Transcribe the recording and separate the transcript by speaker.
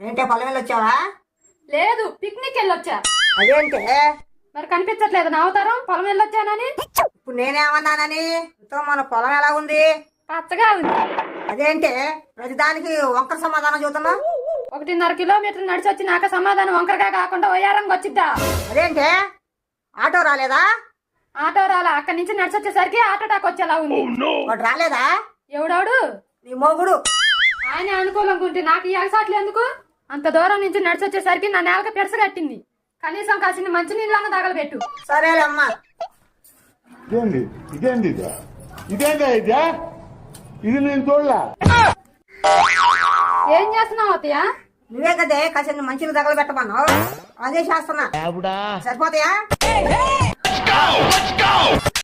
Speaker 1: ఏంటే పొలం వెళ్ళి వచ్చావా?
Speaker 2: లేదు, పిక్నిక్ వెళ్ళొచ్చా.
Speaker 1: అదేంటే
Speaker 2: మరి కనిపించట్లేదు నా అవతారం పొలం వెళ్ళొచ్చానని?
Speaker 1: ఇప్పుడు నేనేమన్నానని? మన పొలం ఎలా ఉంది?
Speaker 2: పచ్చగా ఉంది.
Speaker 1: అదేంటే ప్రతిదానికి వంకర సమాధానం చూస్తున్నా?
Speaker 2: 1.5 కిలోమీటర్లు నడిచి వచ్చినాక సమాధానం వంకరగా కాకుండా వయ్యారంగా వచ్చిద్దా?
Speaker 1: అదేంటే ఆటో రాలేదా?
Speaker 2: ఆటో రాలా, అక్కడి నుంచి నడిచి వచ్చేసరికి ఆటో టాక్ వచ్చేలా ఉంది.
Speaker 1: వాడు రాలేదా?
Speaker 2: ఎవడాడు?
Speaker 1: నీ మొగుడు.
Speaker 2: ఆయన అనుకూలంగా నాకు ఈ అగసాట్లు ఎందుకు? అంత దూరం నుంచి నడిచి వచ్చేసరికి నా నేలకి పెడస కట్టింది. కనీసం కాసిన మంచి నీళ్ళన్న తగలబెట్టు.
Speaker 1: సరేలేమ్మా.
Speaker 3: ఇది నేను చూడలా.
Speaker 2: ఏం చేస్తున్నావు అత్తయ్య?
Speaker 1: నువ్వే కదే కాసిన మంచిని తగలబెట్టమన్నావు, అదే చేస్తున్నా. సరిపోతాయా?